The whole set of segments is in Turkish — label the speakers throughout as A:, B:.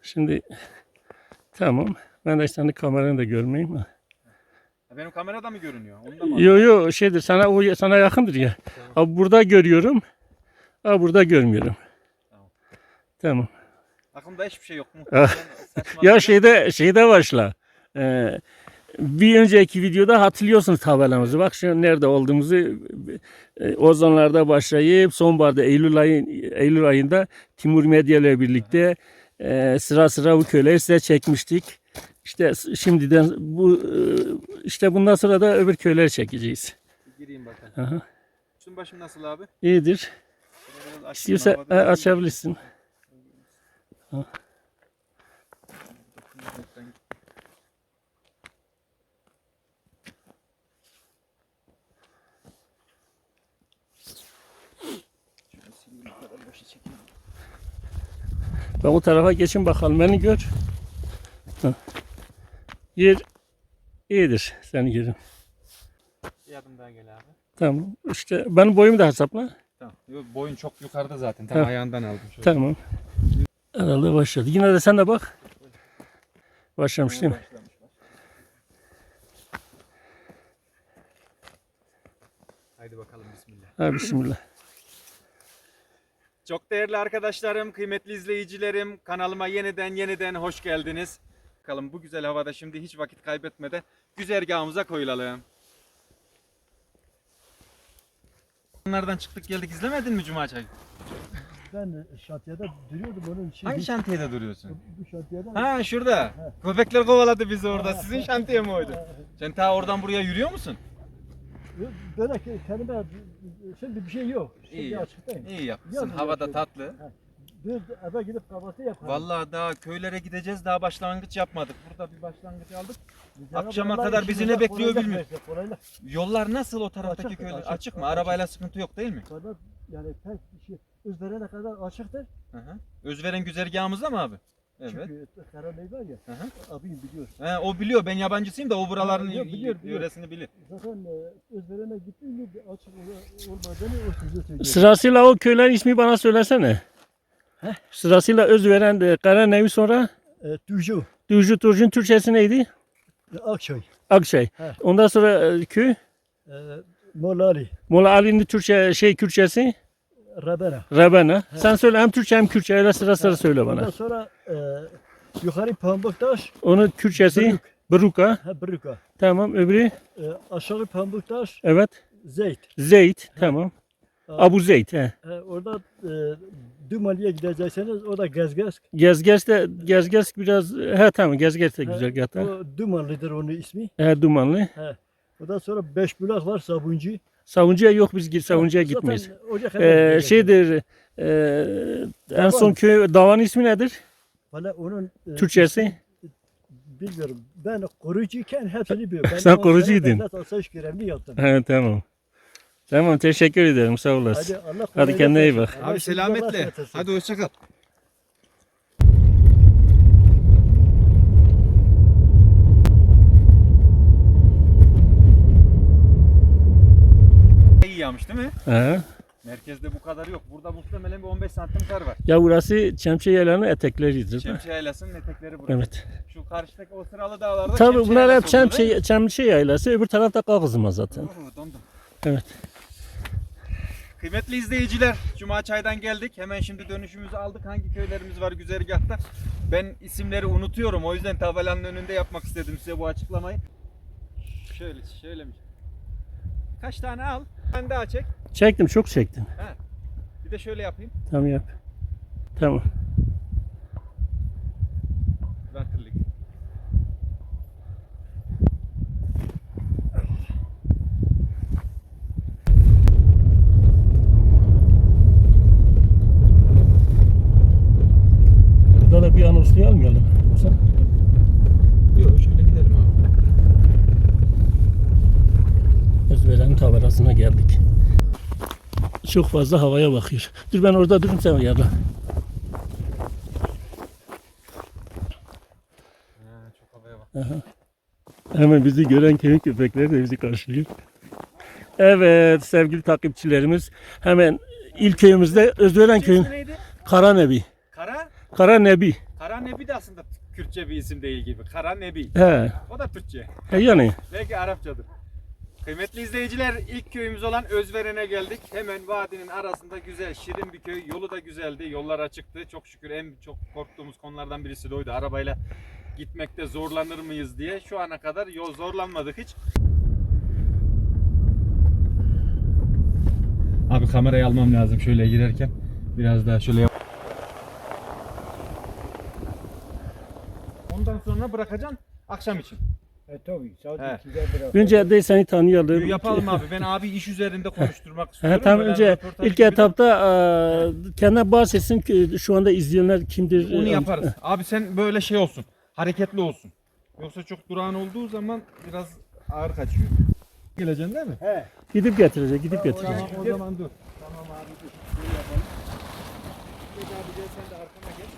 A: Şimdi tamam. Ben de senin kameranı da görmeyeyim mi?
B: Benim kamerada mı görünüyor? Onda mı?
A: Yo şeydir sana yakındır ya.
B: Tamam.
A: Abi burada görüyorum. Abi burada görmüyorum.
B: Tamam.
A: Tamam.
B: Aklımda hiçbir şey yok.
A: Ya şeyde başla. Bir önceki videoda hatırlıyorsunuz tabelamızı. Bak şu nerede olduğumuzu Ozanlar'da başlayıp sonbaharda Eylül ayında Timur Medya ile birlikte sıra sıra bu köyleri size çekmiştik. İşte şimdiden işte bundan sonra da öbür köyleri çekeceğiz.
B: Gireyim bakalım.
A: Aha.
B: Üstün başım nasıl abi?
A: İyidir. İstiyorsan açabilirsin. Ha. Ben o tarafa geçin bakalım. Beni gör. Ha. Yer iyidir. Seni görün.
B: Bir adım daha gel abi.
A: Tamam. İşte benim boyumu da hesapla.
B: Tamam. Boyun çok yukarıda zaten. Tam ayağından aldım. Şöyle.
A: Tamam. Herhalde başladı. Yine de sen de bak. Başlamış değil mi?
B: Haydi bakalım bismillah.
A: Ha, bismillah.
B: Çok değerli arkadaşlarım, kıymetli izleyicilerim, kanalıma yeniden hoş geldiniz. Bakalım bu güzel havada şimdi hiç vakit kaybetmeden güzergahımıza koyulalım. Onlardan çıktık geldik, izlemedin mi Cuma Çayı?
C: Ben şantiyede duruyordum onun için.
B: Hangi şantiyede duruyorsun?
C: Bu şantiyede.
B: Ha şurada. Köpekler kovaladı bizi orada. Sizin şantiye mi oydu? Sen ta oradan buraya yürüyor musun?
C: Böyle kendime şimdi bir şey yok. Şimdi
B: İyi,
C: açıktayım.
B: iyi yapmışsın.
C: Yalnız
B: Havada
C: yapıyorum.
B: tatlı.
C: Bir eve gidip kahvaltı yaparım.
B: Vallahi daha köylere gideceğiz. Daha başlangıç yapmadık. Burada bir başlangıç aldık.
C: Cenab-ı
B: akşama
C: Allah
B: kadar bizi
C: işimize
B: ne bekliyor
C: kolaylık
B: bilmiyorum.
C: versin, kolaylık.
B: Yollar nasıl o taraftaki
C: Açık,
B: köyler?
C: açık,
B: Açık mı?
C: açık.
B: Arabayla sıkıntı yok değil mi?
C: Kadar yani pek bir şey üzerine kadar açıktır.
B: Hı hı. Özveren güzergahımızda mı abi? Evet.
C: Çünkü Karaney var ya.
B: Hı hı.
C: Abim biliyor.
B: He, o biliyor. Ben yabancısıyım da o buraların
C: Biliyor.
B: yöresini bilir.
C: Zaten üzerine gittiğinde bir açık olmadığını o size söylüyor.
A: Sırasıyla o köylerin ismi bana söylesene.
C: Heh.
A: Sırasıyla Özveren de Karanevi sonra
C: Tuju,
A: Düzcü Turcun Türkçesi neydi?
C: Akçay,
A: Akçay.
C: He.
A: Ondan sonra köy
C: Molali,
A: Molla Ali'nin Kürtçesi
C: Rabena.
A: Rabena. Sen söyle hem Türkçe hem Kürtçe öyle sıra söyle
C: Ondan
A: bana.
C: sonra yukarı Pambuktaş,
A: Onun Kürtçesi Bruka.
C: Brüka.
A: Tamam öbürü
C: Aşağı Pambuktaş,
A: evet.
C: Zeyt.
A: Zeyt. Tamam. Abu Zeyt. He.
C: Orada Dumali'ye gidecekseniz o da Gezgesk.
A: Gezgers biraz tamam Gezgers de güzel gata.
C: O Dumanlıdır onun ismi.
A: Dumanlı.
C: Ondan sonra Beşbulak var Sabuncu.
A: Savuncuya yok biz Savuncuya
C: Zaten
A: gitmeyiz.
C: oraya kadar gideceksiniz.
A: Şeydir en son köy davanın ismi nedir?
C: Valla onun
A: Türkçesi?
C: bilmiyorum. Ben koruyucuyken hepsini biliyorum. Ben
A: Sen
C: 10 sene
A: koruyucuydun.
C: devlet asayiş görevli yaptım.
A: He, tamam. Tamam teşekkür ederim sağ olasın.
C: Allah
A: Hadi
C: kolaylık
A: kendine iyi
C: versin.
A: bak.
C: Allah
B: Abi
C: sizi Allah'a
B: selametle.
C: emanet etsin.
B: Hadi hoşça kal. İyi yağmış değil mi?
A: He.
B: Merkezde bu kadar yok. Burada muhtemelen bir 15 santim kar var.
A: Ya burası Çemçe Yaylanı'nın etekleridir.
B: Çemçe Yaylası'nın etekleri burası.
A: Evet.
B: Şu karşıdaki o sıralı dağlarda
A: Tabii
B: Çemçe
A: bunlar hep
B: Yaylası oluyor, değil mi?
A: Çemçe Yaylası, öbür tarafta Kağızma zaten.
B: Dondum.
A: Evet.
B: Kıymetli izleyiciler, Cuma Çay'dan geldik. Hemen şimdi dönüşümüzü aldık. Hangi köylerimiz var güzergahta? Ben isimleri unutuyorum. O yüzden tabelanın önünde yapmak istedim size bu açıklamayı. Şöyle mi? Kaç tane al? Ben daha çek.
A: Çektim, çok çektim.
B: Bir de şöyle yapayım.
A: Tamam yap. Tamam.
B: Vertirlik.
A: Burada da bir anonsluyu almayalım. Yoksa
B: Yok şöyle gidelim abi.
A: Özveren'in taberasına geldik. Çok fazla havaya bakıyor. Dur ben orada durayım sen yarla.
B: Çok havaya bak.
A: Aha. Hemen bizi gören köyün köpekleri de bizi karşılıyor. Evet sevgili takipçilerimiz, hemen ilk köyümüzde Özveren köyün
B: neydi?
A: Karanebi.
B: Kara?
A: Karanebi.
B: Kara Nebi de aslında Kürtçe bir isim değil gibi. Kara Nebi.
A: He.
B: O da Türkçe.
A: Yani.
B: Belki Arapçadır. Kıymetli izleyiciler, ilk köyümüz olan Özveren'e geldik. Hemen vadinin arasında güzel, şirin bir köy. Yolu da güzeldi. Yollar açıktı. Çok şükür en çok korktuğumuz konulardan birisi de oydu. Arabayla gitmekte zorlanır mıyız diye. Şu ana kadar yol zorlanmadık hiç. Abi kamerayı almam lazım şöyle girerken. Biraz daha şöyle yap. Ondan sonra bırakacaksın akşam için.
C: Tabii saat
B: He.
C: 2'de bırak.
A: Önce de seni tanıyalım.
B: Yapalım abi. Ben abi iş üzerinde konuşturmak istiyorum.
A: He, tam
B: Böyle
A: önce
B: röportaj
A: ilk
B: gibi de
A: etapta kendine bahsetsin ki şu anda izleyenler kimdir?
B: onu yaparız. Abi sen böyle şey olsun. Hareketli olsun. Yoksa çok durağan olduğu zaman biraz ağır kaçıyor. Geleceksin değil mi?
C: He.
A: Gidip getirecek, gidip getirecek.
B: Tamam o zaman dur.
C: Tamam abi dur. Şöyle yapalım.
B: Geç abi gel sen de arkama geç.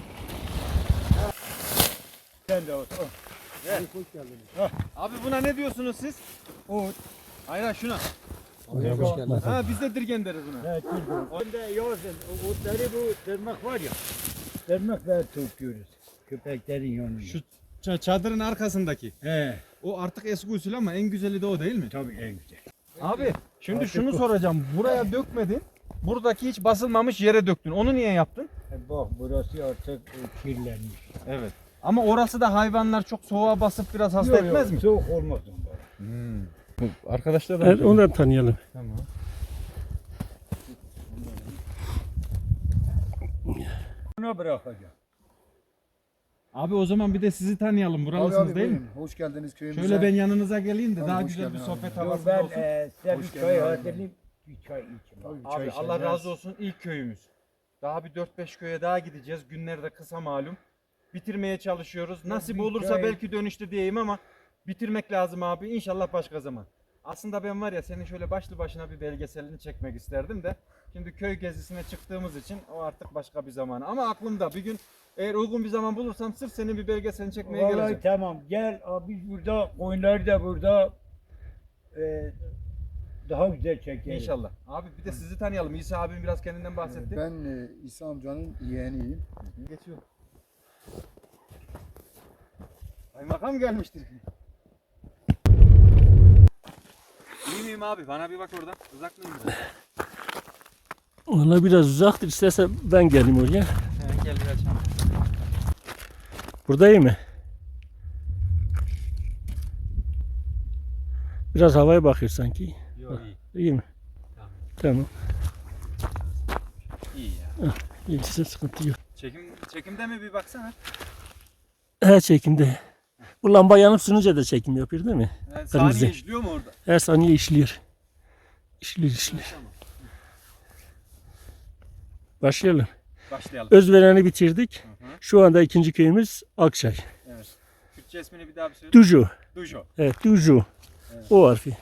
C: Sen de otur.
B: Gel.
C: Hoş geldiniz.
B: Abi buna ne diyorsunuz siz?
C: O.
B: Hayır hayır, şuna.
C: Hoş geldin.
B: Ha biz de dirgen deriz buna.
C: Evet, Onda yazın. Otları bu tırnak var ya. Tırnakla topluyoruz. Köpeklerin yanında.
B: Şu çadırın arkasındaki.
C: He.
B: O artık eski usul ama en güzeli de o değil mi?
C: Tabii en güzel.
B: Abi şimdi
C: Artık
B: şunu
C: bu.
B: soracağım. Buraya dökmedin. Buradaki hiç basılmamış yere döktün. Onu niye yaptın?
C: Bak burası artık kirlenmiş.
B: Evet. Ama orası da hayvanlar çok soğuğa basıp biraz hasta
C: Yok,
B: etmez
C: yok,
B: mi?
C: Soğuk olmaz onda.
B: Arkadaşlar da
A: Evet, onu da tanıyalım.
B: Tamam.
C: Buna bırakacağım.
B: Abi o zaman bir de sizi tanıyalım. Buralısınız
D: Abi,
B: değil mi?
D: buyurun. Hoş geldiniz köyümüze.
B: Şöyle ben yanınıza geleyim de
D: Tamam,
B: daha
D: hoş
B: güzel bir
D: geldin
B: sohbet
D: abi.
C: Dur
B: havası
C: ben
B: olsun.
C: size
D: Hoş
C: bir
D: geldin
C: çay
D: abi.
C: hazırlayayım. Bir çay için.
D: Tabii,
B: Abi
D: çay
B: Allah
D: içeceğiz.
B: razı olsun, ilk köyümüz. Daha bir 4-5 köye daha gideceğiz. Günler de kısa malum. Bitirmeye çalışıyoruz. Nasip
C: bir
B: olursa
C: köy-
B: belki dönüşte diyeyim ama bitirmek lazım abi. İnşallah başka zaman. Aslında ben var ya senin şöyle başlı başına bir belgeselini çekmek isterdim de. Şimdi köy gezisine çıktığımız için o artık başka bir zaman. Ama aklımda bir gün eğer uygun bir zaman bulursam sırf senin bir belgeselini çekmeye
C: Vallahi
B: geleceğim.
C: tamam gel abi biz burada koyunları da burada daha güzel çekeriz.
B: İnşallah. Abi bir de sizi tanıyalım. İsa abim biraz kendinden bahsetti.
D: Ben İsa amcanın yeğeniyim.
B: Geçiyor. Kaymakam gelmiştir. İyi miyim abi? Bana bir bak oradan. Uzak mıyım biraz?
A: Ona biraz uzaktır. İstersen ben geleyim oraya.
B: Gel bir açalım.
A: Burada iyi mi? Biraz havaya bakıyor sanki.
B: Yok iyi.
A: İyi mi?
B: Tamam.
A: Tamam.
B: İyi ya.
A: İyisi sıkıntı yok.
B: Çekimde mi bir baksana?
A: Her çekimde. Bu lamba yanıp sönünce de çekim yapıyor değil mi? Kırmızı.
B: Saniye işliyor mu orada?
A: Her saniye işliyor. İşliyor.
B: Tamam.
A: Başlayalım.
B: Başlayalım.
A: Özveren'i bitirdik.
B: Hı hı.
A: Şu anda ikinci köyümüz Akçay.
B: Evet. Türkçe ismini bir daha bir söyle.
A: Duju.
B: Dujo.
A: Evet, Duju.
B: Evet.
A: O harfi.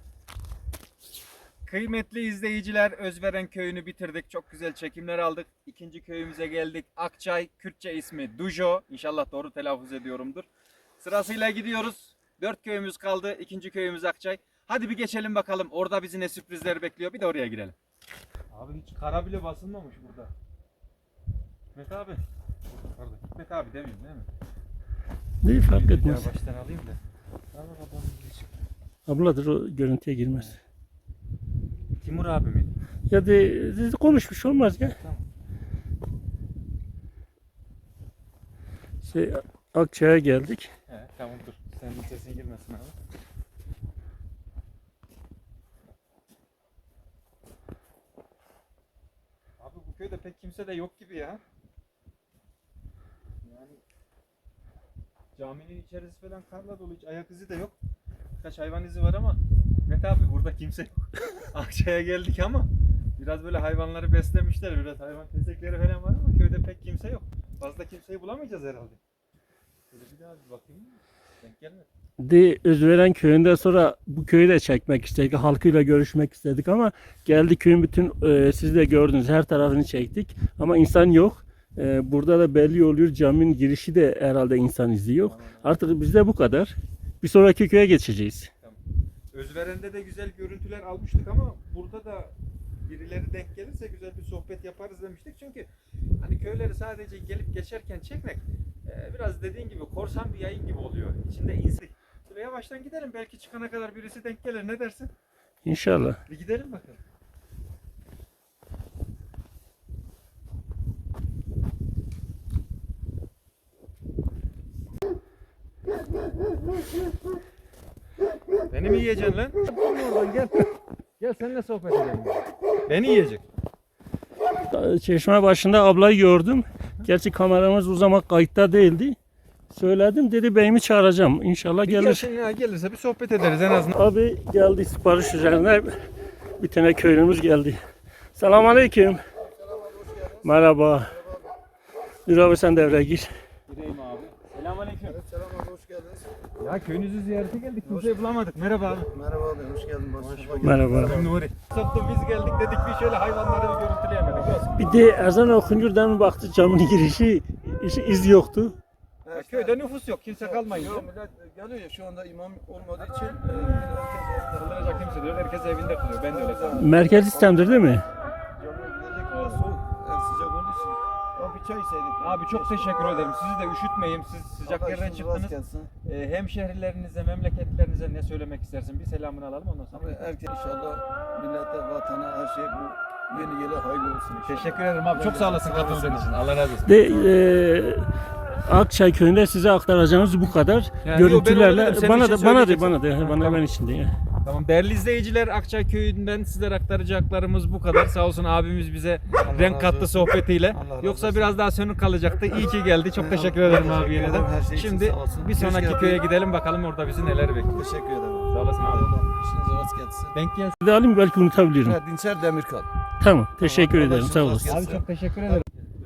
B: Kıymetli izleyiciler, Özveren köyünü bitirdik. Çok güzel çekimler aldık. İkinci köyümüze geldik. Akçay, Kürtçe ismi Dujo. İnşallah doğru telaffuz ediyorumdur. Sırasıyla gidiyoruz. 4 köyümüz kaldı. İkinci köyümüz Akçay. Hadi bir geçelim bakalım. Orada bizi ne sürprizler bekliyor. Bir de oraya girelim. Abi hiç kara bile basılmamış burada. Hikmet abi. Pardon. Hikmet abi demeyeyim değil mi?
A: Neyi fark
B: Bir
A: etmez.
B: daha baştan alayım da. Tamam babam hiç.
A: Abladır, o görüntüye girmez.
B: Timur abi miydi?
A: Ya de konuşmuş olmaz ya.
B: Tamam.
A: Akçay'a geldik.
B: He, tamam dur. Senin sesin girmesin abi. Abi bu köyde pek kimse de yok gibi ya. Yani caminin içerisi falan karla dolu, hiç ayak izi de yok. Birkaç hayvan izi var ama Mete abi burada kimse yok. Akçay'a geldik ama biraz böyle hayvanları beslemişler, biraz hayvan tezekleri falan var ama köyde pek kimse yok. Fazla kimseyi bulamayacağız herhalde. Şöyle bir daha bir bakayım. Denk gelmedi.
A: Özveren köyünden sonra bu köyü de çekmek istedik. Halkıyla görüşmek istedik ama geldi köyün bütün siz de gördünüz her tarafını çektik. Ama insan yok. Burada da belli oluyor, caminin girişi de herhalde insan izi yok. Artık bizde bu kadar. Bir sonraki köye geçeceğiz.
B: Özveren'de de güzel görüntüler almıştık ama burada da birileri denk gelirse güzel bir sohbet yaparız demiştik. Çünkü hani köyleri sadece gelip geçerken çekmek biraz dediğin gibi korsan bir yayın gibi oluyor. İçinde insan. Şöyle yavaştan gidelim. Belki çıkana kadar birisi denk gelir. Ne dersin?
A: İnşallah.
B: Bir gidelim bakalım. Beni mi yiyeceksin lan? Oradan gel. Gel seninle sohbet edelim. Beni yiyecek.
A: Çeşme başında ablayı gördüm. Gerçi kameramız o zaman kayıtta değildi. Söyledim, dedi beyimi çağıracağım. İnşallah gelir.
B: Gelsin ya, gelirse bir sohbet ederiz en azından.
A: Abi geldi sipariş üzerine. Bir tane köylümüz geldi. Selamünaleyküm. Merhaba. Dur abi sen devreye gir.
B: Gireyim abi. Selamünaleyküm.
D: Selam abi, hoş geldiniz.
B: Ya köyünüzü ziyarete geldik. Kimseyi bulamadık. Merhaba abi.
D: Merhaba abi, hoş geldin.
A: Merhaba.
B: Nuri. Soktu biz geldik dedik bir şöyle hayvanları bir görüntüleyemedik. Olsun.
A: Bir de ezan okunurdan baktı camın girişi iz yoktu.
B: Ya köyde nüfus yok. Kimse kalmayınca.
D: Yok, millet geliyor ya, şu anda imam olmadığı için herkes
B: Kılınacak kimse diyor. Herkes evinde kılıyor. Ben de öyle sanırım.
A: Merkez sistemdir değil mi?
D: camiye gidecek, biraz soğuk, sıcak olduğu için. Ya bir çay içseydik.
B: Abi çok teşekkür ederim. Sizi de üşütmeyeyim. Siz sıcak
D: Allah
B: yerden
D: işinizi rast
B: çıktınız.
D: gelsin.
B: Hemşehrilerinize, memleketlerinize ne söylemek istersin? Bir selamını alalım ondan sonra.
D: Abi herkes inşallah millete, vatana, her şey bu yeni yıla hayırlı olsun inşallah.
B: Teşekkür ederim abi. Çok sağ olasın katıldığın için. Allah razı olsun.
A: Akçay köyünde size aktaracağımız bu kadar.
B: Yani
A: Görüntülerle
B: yok, ben
A: bana
B: öyle dedim,
A: da
B: sen
A: bana
B: bir şey
A: da bana
B: Tamam.
A: ben içindeyim.
B: Tamam değerli izleyiciler, Akçay Köyü'nden sizlere aktaracaklarımız bu kadar. Sağ olsun abimiz bize renk
D: razı
B: kattı
D: olsun.
B: sohbetiyle.
D: Allah razı
B: Yoksa
D: olsun.
B: biraz daha sönük kalacaktı. İyi ki geldi. Çok teşekkür ederim abi yine de.
D: Her şey için
B: Şimdi
D: sağ olsun.
B: bir
D: Hoş
B: sonraki
D: geldin.
B: köye gidelim bakalım orada bizi neler bekliyor.
D: Teşekkür ederim.
B: Sağ olasın abi.
D: İşinize rast gelsin.
B: Denk gelsin.
A: Bir de alayım belki unutabilirim.
D: Evet, Dinçer Demirkal.
A: Tamam. Teşekkür
D: Allah
A: ederim.
D: işinizi
A: Sağ
D: rast
A: olasın.
D: gelsin.
B: Abi çok teşekkür ederim.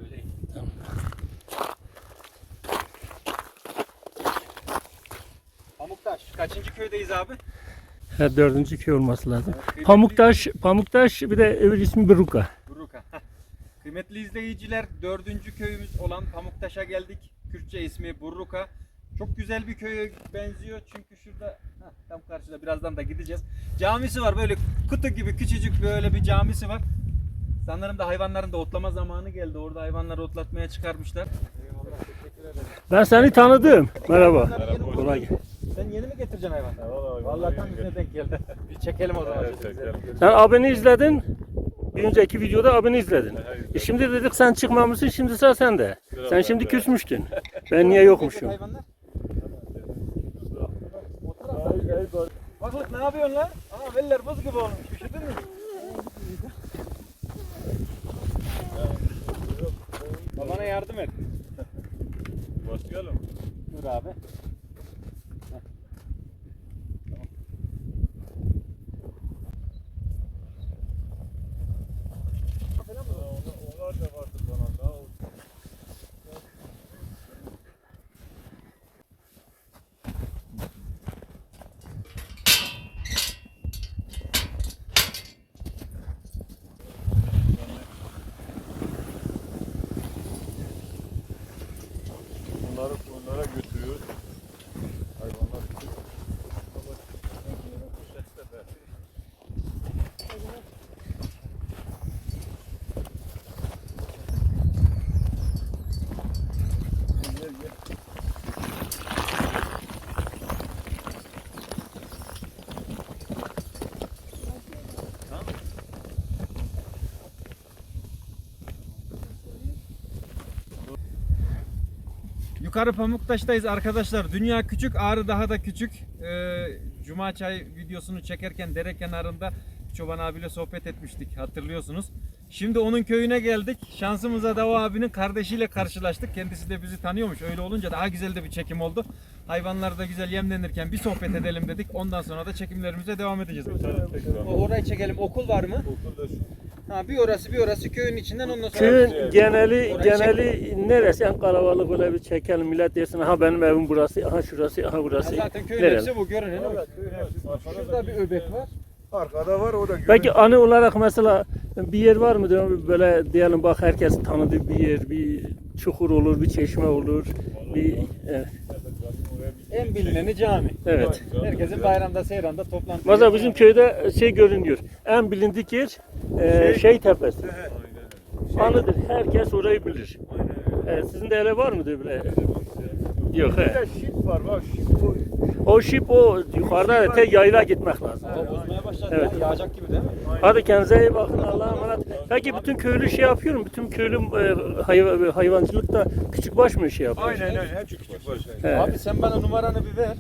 B: Pamuktaş. Kaçıncı köydeyiz abi?
A: Her dördüncü köy olması lazım.
B: Evet,
A: Pamuktaş bir de öbür ismi Buruka.
B: Buruka. Kıymetli izleyiciler, 4. köyümüz olan Pamuktaş'a geldik. Kürtçe ismi Burruka. Çok güzel bir köye benziyor çünkü şurada tam karşıda birazdan da gideceğiz. Camisi var, böyle kutu gibi küçücük böyle bir camisi var. Sanırım da hayvanların da otlama zamanı geldi. Orada hayvanları otlatmaya çıkarmışlar. Eyvallah, teşekkür ederim.
A: Ben seni tanıdım. Merhaba.
B: Hayvanlar yeni mi?
A: Kolay gelsin.
B: Sen yeni mi getireceksin hayvanları? Vallahi tam bize denk geldi. Bir çekelim o zaman.
A: Sen abini izledin. Bir önceki videoda abini izledin. Şimdi dedik sen çıkmamışsın, şimdi sıra sende. Sen şimdi küsmüştün. Ben niye yokmuşum?
B: Hayvanlar. Bak ne yapıyorsun lan? Aa veller buz gibi olmuş. Üşüdün mü? Babana yardım et.
E: Başlayalım.
B: Dur abi.
E: Onlar da vardır bana daha. Bunlara götürüyoruz. Hayvanlar için.
B: Yukarı Pamuktaş'tayız arkadaşlar. Dünya küçük, Ağrı daha da küçük. Cuma çay videosunu çekerken dere kenarında Çoban abiyle sohbet etmiştik, hatırlıyorsunuz. Şimdi onun köyüne geldik. Şansımıza Dava abinin kardeşiyle karşılaştık. Kendisi de bizi tanıyormuş. Öyle olunca daha güzel de bir çekim oldu. Hayvanlar da güzel yemlenirken bir sohbet edelim dedik. Ondan sonra da çekimlerimize devam edeceğiz. Orayı çekelim. Okul var mı?
E: Okul da şu.
B: Ha, bir orası köyün içinden, ondan sonra
A: Köyün geneli neresi en kalabalık, böyle bir çekelim, millet desin aha benim evim burası, aha şurası, aha burası.
B: zaten köyün
A: Nereli?
B: hepsi bu, görünen o. Şurada bir öbek var.
D: Arkada var, o da
A: Peki anı olarak mesela bir yer var mı diyorum, böyle diyelim bak herkes tanıdığı bir yer, bir çukur olur, bir çeşme olur, bir evet.
B: En bilineni cami.
A: Evet.
B: Herkesin bayramda, seyranda toplantı.
A: Mesela bizim köyde şey görünüyor. En bilindik yer şey tepesi. Anıdır. Herkes orayı bilir. Sizin de öyle var mı böyle? Yok
C: Bir
A: he.
C: de şip var bak şip o.
A: O şip o yukarıda tek yayla gitmek lazım.
B: Hava bozmaya başladı.
A: Evet.
B: Ya, yağacak gibi değil mi?
A: Hadi kendinize iyi bakın. Allah'a emanet. Peki bütün köylü şey yapıyor mu? Bütün köylü hayvancılıkta küçükbaş mı şey yapıyor?
E: Aynen aynen. Hep küçük var.
A: He.
B: Abi sen bana numaranı bir ver.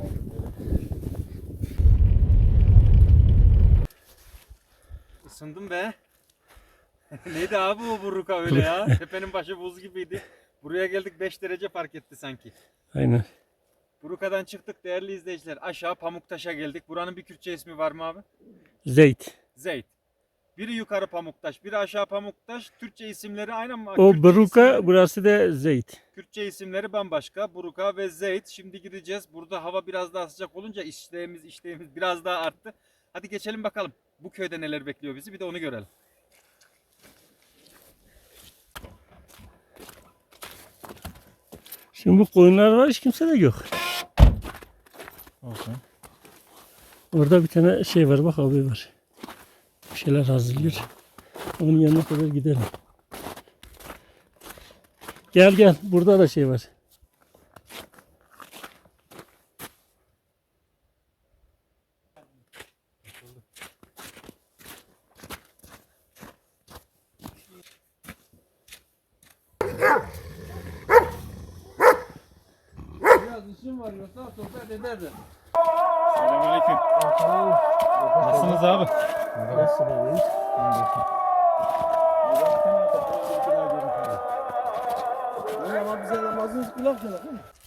B: Isındım be. Neydi abi o burruka öyle ya? Tepenin başı buz gibiydi. Buraya geldik 5 derece fark etti sanki.
A: Aynen.
B: Buruka'dan çıktık değerli izleyiciler. Aşağı Pamuktaş'a geldik. Buranın bir Kürtçe ismi var mı abi?
A: Zeyt.
B: Zeyt. Biri yukarı Pamuktaş, biri aşağı Pamuktaş. Türkçe isimleri aynı ama
A: O
B: Kürtçe
A: Beruka,
B: isimleri-
A: burası da Zeyt.
B: Kürtçe isimleri bambaşka. Buruka ve Zeyt. Şimdi gideceğiz. Burada hava biraz daha sıcak olunca işleğimiz biraz daha arttı. Hadi geçelim bakalım. Bu köyde neler bekliyor bizi bir de onu görelim.
A: Şimdi bu koyunlar var, hiç kimse de yok.
B: Olsun.
A: Orada bir tane şey var, bak abi var. Bir şeyler hazırlıyor. Onun yanına kadar gidelim. Gel gel, burada da şey var.
B: Biraz işim var yoksa sohbet ederdim. Selamünaleyküm. Nasılsınız abi?
D: Ama bize namazınız kulak çalak.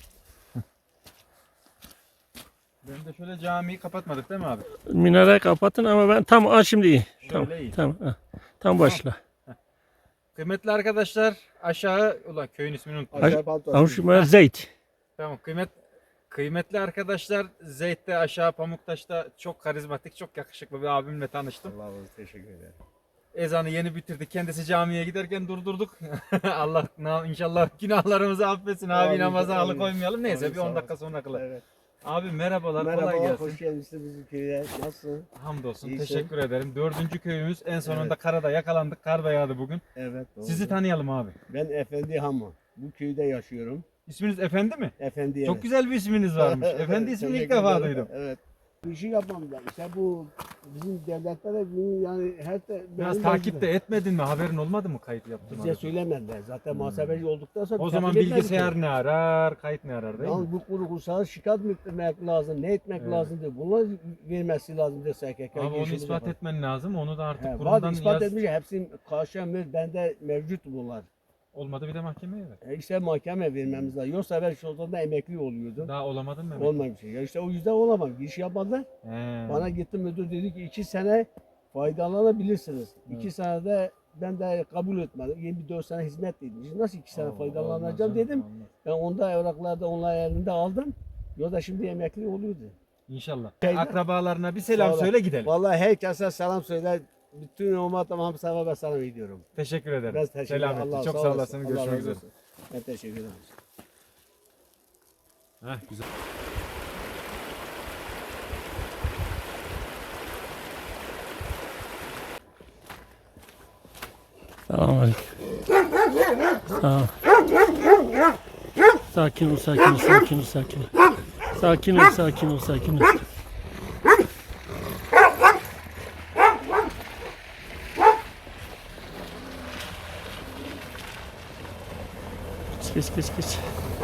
B: Ben de şöyle camiyi kapatmadık değil mi abi?
A: Minare kapatın ama ben tam şimdi iyi. Tamam,
B: iyi.
A: tamam. Ha. Tam başla.
B: Kıymetli arkadaşlar aşağı ulan köyün ismini unuttum.
A: Ama şu Zeyt.
B: Tamam kıymetli arkadaşlar Zeyt'te aşağı Pamuktaş'ta çok karizmatik çok yakışıklı bir abimle tanıştım.
C: Allah razı teşekkür ederim.
B: Ezanı yeni bitirdik. Kendisi camiye giderken durdurduk. Allah inşallah günahlarımızı affetsin. Abi
C: Amin,
B: namaza
C: amin.
B: alıkoymayalım. Neyse
C: Amin,
B: bir
C: sağ
B: 10
C: ol.
B: dakika sonra kılar.
C: Evet.
B: Abi merhabalar. kolay
C: Merhaba,
B: gelsin.
C: hoş geldiniz bizim köye. Nasılsın?
B: Hamdolsun.
C: İyisin.
B: Teşekkür ederim. 4. köyümüz. En sonunda
C: Evet.
B: karada yakalandık. Kar da yağdı bugün.
C: Evet. Doğru.
B: Sizi tanıyalım abi.
C: Ben Efendi Hamo. Bu köyde yaşıyorum.
B: İsminiz Efendi mi?
C: Efendi
B: Çok güzel bir isminiz varmış. Efendi ismini ilk
C: Teşekkür
B: defa
C: ederim.
B: duydum.
C: Evet. Bir şey yapmam ben. İşte bu bizim devletlere yani her
B: Biraz takip de etmedin mi? Haberin olmadı mı kayıt yaptın?
C: bize söylemediler. Zaten muhasebeci olduktan sonra
B: O zaman
C: takip etmedik
B: bilgisayar
C: ki.
B: ne arar, kayıt ne arar değil mi?
C: Yalnız bu kuru kursağı şikayet mi etmek lazım, ne etmek
B: Evet.
C: lazım diye. Bunlar vermesi lazım diye SKK.
B: Abi onu
C: girişimiz
B: ispat
C: yapar.
B: etmen lazım. Onu da artık
C: He,
B: kurumdan
C: var ispat
B: yaz.
C: etmiş. Hepsinin karşı bende mevcut bunlar.
B: Olmadı bir de mahkemeye ver.
C: İşte mahkeme vermemiz lazım. Yoksa ben şu anda emekli oluyordum.
B: Daha olamadın mı?
C: Olmamış. Ya işte o yüzden olamam. Giriş yapmadılar.
B: He.
C: Bana gitti müdür dedi ki 2 sene faydalanabilirsiniz. 2 senede ben de kabul etmedim. 24 sene hizmet dedim. Nasıl 2 sene
B: Allah,
C: faydalanacağım
B: olmaz,
C: dedim.
B: olmaz.
C: Ben onda evraklarda onlar elinde aldım. Yoksa şimdi emekli oluyordu.
B: İnşallah.
C: Şeyde-
B: Akrabalarına bir selam
C: Sağ ol.
B: söyle gidelim.
C: Vallahi herkese selam söyle. Bütün ummatıma hamsama ve selam ediyorum.
B: Teşekkür ederim.
C: Ben teşekkür ederim.
B: Selametle.
C: Allah
B: Çok
C: sağ
B: sağ
C: olasın.
B: olasın.
C: Allah
B: Görüşmek
C: razı
B: üzere.
C: olsun. Ben teşekkür ederim.
B: Heh, güzel.
A: Selamünaleyküm. Sağ ol. Sakin ol, sakin ol, sakin ol, sakin ol. Sakin ol, sakin ol, sakin ol. Geç, geç, geç.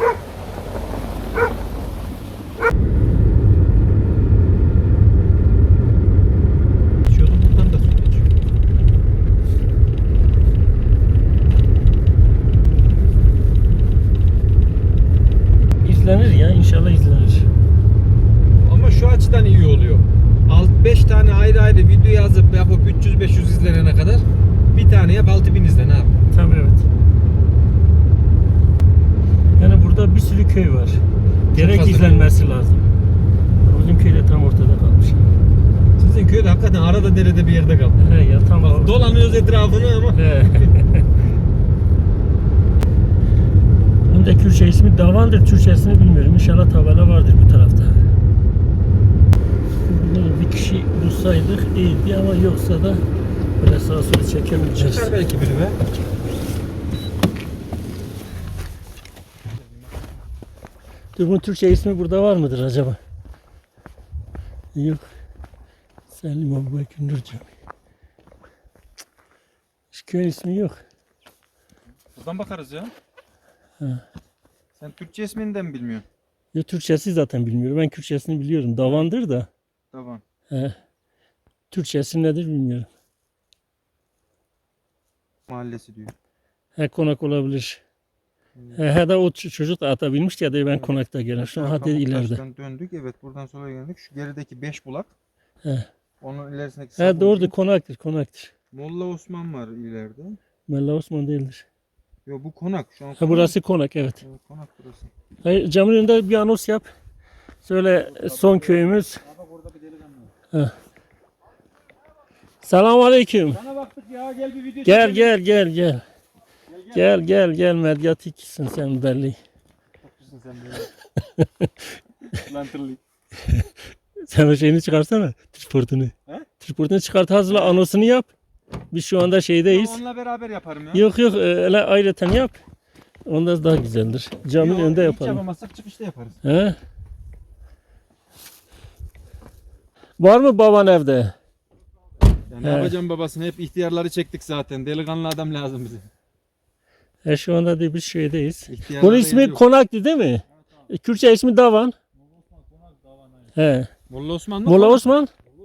B: Geçiyordum buradan da su geçiyor.
A: İzlenir ya, inşallah izlenir.
B: Ama şu açıdan iyi oluyor. 5 tane ayrı ayrı video yazıp yapıp 300-500 izlenene kadar bir tane yap 6000 izlen abi.
A: Tabii evet. Yani burada bir sürü köy var. Gerek
B: fazla
A: izlenmesi lazım. Bizim köyde tam ortada kalmış.
B: Sizin köyde hakikaten arada derede bir yerde kaldı.
A: He ya tam
B: Bak, dolanıyoruz etrafını ama.
A: He. Bunun da Kürtçe ismi Davandır. Türkçesini bilmiyorum. İnşallah tabela vardır bu tarafta. Bunu bir kişi bulsaydık iyiydi ama yoksa da böyle sağa sola çekemeyeceğiz.
B: Çıkar belki biri be.
A: Dur, bunun Türkçe ismi burada var mıdır acaba? Yok. Selim Abubekir Nur Camii. Hiç köy ismi yok.
B: Buradan bakarız ya.
A: Ha.
B: Sen Türkçe ismini de mi bilmiyorsun?
A: Ya Türkçesi zaten bilmiyorum. Ben Kürtçesini biliyorum. Davandır da.
B: Tamam.
A: He. Türkçesi nedir bilmiyorum.
B: Mahallesi diyor.
A: He, konak olabilir. He de o çocuk da ata binmişti ya da ben konakta gelen. Şu an hadi ileride.
B: Pamuktaş'tan döndük. Evet, buradan sola geldik. Şu gerideki 5 bulak.
A: He.
B: Onun ilerisindeki
A: He
B: Sabuncu.
A: doğrudur, konaktır.
B: Molla Osman var ileride.
A: Mella Osman değildir.
B: Yo, bu konak. Şu an
A: Ha,
B: konak.
A: burası konak, evet.
B: Evet, konak burası.
A: Hayır, camın önünde bir anons yap. Söyle son köyümüz. Ha. Selamun aleyküm.
B: Sana baktık ya, gel bir video
A: Gel
B: çekelim.
A: gel. Gel medyatiksin sen belli.
B: Haklısın sen böyle. Lantırlı.
A: Sen o şeyini çıkarsana. Triportunu.
B: He?
A: Triportunu çıkart, hazırla, anonsunu yap. Biz şu anda şeydeyiz.
B: Onunla beraber yaparım ya.
A: Yok öyle ayrıca yap. Ondan daha güzeldir. Camın
B: Yo,
A: önünde
B: hiç
A: yapalım.
B: yapamazsak çıkışta yaparız.
A: He? Var mı baban evde?
B: Ya ne
A: He.
B: yapacağım babasını? Hep ihtiyarları çektik zaten. Delikanlı adam lazım bize.
A: Şu anda da biz şeydeyiz.
B: İhtiyarlara
A: Bunun ismi
B: yer yok.
A: Konak'tı değil mi? Kürtçe ismi Davan. He.
B: Molla Osman mı?
A: Molla Osman.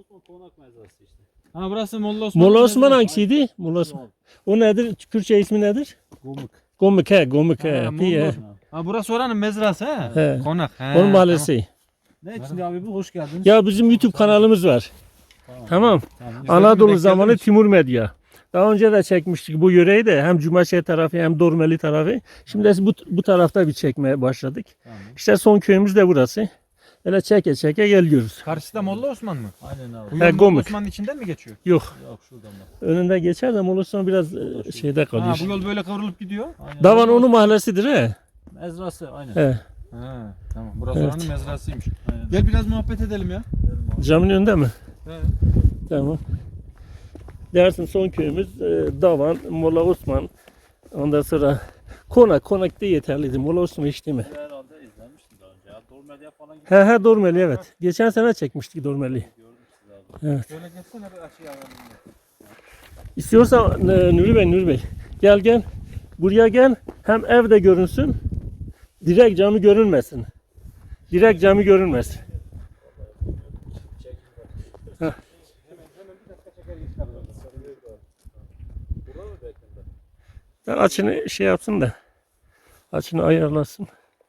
B: Ha, burası Molla Osman.
A: Molla Osman hangisiydi? Molla Osman. O nedir? Kürtçe ismi nedir?
E: Gomuk.
A: Gomuk he.
B: Ha,
A: Diye.
B: Molla Osman. Ha, burası oranın mezrası ha.
A: He.
B: Konak. He.
A: Onun mahallesi.
E: Ne için abi bu? Hoş geldiniz.
A: Ya bizim YouTube kanalımız var. Tamam.
E: Tamam.
A: Anadolu
B: Bekledim
A: zamanı
B: hiç.
A: Timur Medya. Daha önce de çekmiştik bu yöreyi de, hem Cumaşehir tarafı hem Dormeli tarafı. Şimdi de bu tarafta bir çekmeye başladık.
E: Tamam.
A: İşte son köyümüz de burası. Öyle çeke geliyoruz.
B: Karşıda Molla Osman mı?
E: Aynen abi.
B: Bu
A: He,
B: yol Molla
A: Gomuk.
B: Osman'ın içinden mi geçiyor?
A: Yok.
E: Yok şuradan bak.
A: Önünde geçer de Molus'tan biraz şeyde
B: Ha,
A: kalıyor.
B: bu yol böyle kıvrılıp gidiyor.
E: Aynen.
A: Davan onun mahallesidir he.
E: Mezrası aynen.
A: He.
B: Ha, tamam. Burası
A: Evet.
B: oranın mezrasıymış.
E: Aynen.
B: Gel biraz muhabbet edelim ya.
A: Camın önünde mi?
B: He.
A: Tamam. Dersin son köyümüz Davan, Molla Osman. Ondan sonra Konak da yeterliydi. Molla Osman hiç değil mi?
E: Herhalde izlemiştim daha önce ya. Dormediye falan gittim.
A: He Dormeli, evet. Geçen sene çekmiştik Dormeli.
B: Şöyle geçsene bir aşağıya alalım.
A: İstiyorsan Nuri Bey gel. Buraya gel. Hem ev de görünsün. Direkt cami görünmesin. Heh. Ben açını şey yapsın da. Açını ayarlasın.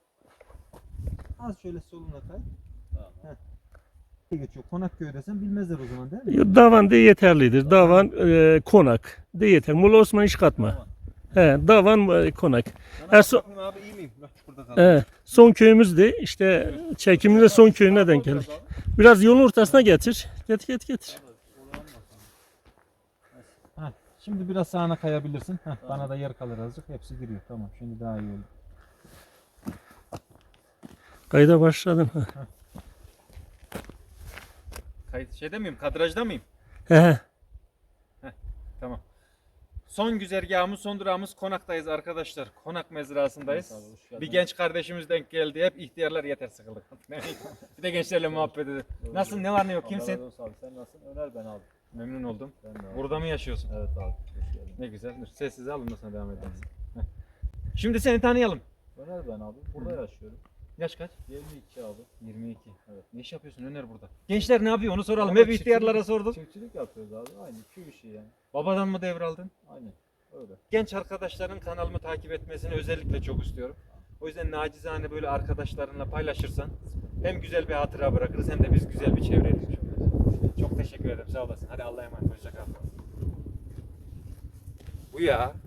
B: Az şöyle soluna kay. Heh. Geçiyor. Konak köydesin, bilmezler o zaman değil mi?
A: Davan de yeterlidir. Davan konak de yeter. Molla Osman iş katma. He, Davan konak.
B: Bana
A: so-
B: bakayım abi, iyi miyim? Bak burada kaldım.
A: Son köyümüz de işte çekiminde son köyüne denk geldik. Biraz yolun ortasına getir. Getir.
B: Heh, şimdi biraz sağına kayabilirsin. Heh, bana da yer kalır azıcık. Hepsi giriyor. Tamam, şimdi daha iyi oldu.
A: Kayda başladın.
B: Kayıt şeyde miyim? Kadrajda mıyım?
A: He.
B: Tamam. Son güzergahımız, son durağımız Konak'tayız arkadaşlar. Konak mezrasındayız.
E: Evet abi, hoş geldin.
B: Bir genç kardeşimiz denk geldi. Hep ihtiyarlar yeter sıkıldık. Bir de gençlerle muhabbet edelim. Nasılsın? Ne var ne yok?
E: Allah
B: Kimsin?
E: razı olsun abi. Sen nasılsın? Öner ben abi.
B: Memnun oldum.
E: Ben de abi.
B: Burada mı yaşıyorsun?
E: Evet abi. Hoş geldin.
B: Ne güzel. Dur, sessiz alın da sana devam edelim. Heh. Şimdi seni tanıyalım.
E: Öner ben abi. Burada yaşıyorum.
B: Yaş kaç?
E: 22 abi.
B: 22. Evet. Ne iş yapıyorsun Öner burada? Gençler ne yapıyor onu soralım.
E: Ama
B: Hep ihtiyarlara sordum.
E: Çiftçilik yapıyoruz abi. Aynı köy işi yani.
B: Babadan mı devraldın?
E: Aynen. Öyle.
B: Genç arkadaşların kanalımı takip etmesini özellikle çok istiyorum. O yüzden nacizane böyle arkadaşlarınla paylaşırsan hem güzel bir hatıra bırakırız hem de biz güzel bir çevre edinmiş oluruz. Çok teşekkür ederim. Sağ olasın. Hadi Allah'a emanet. Hoşça kal. Bu ya.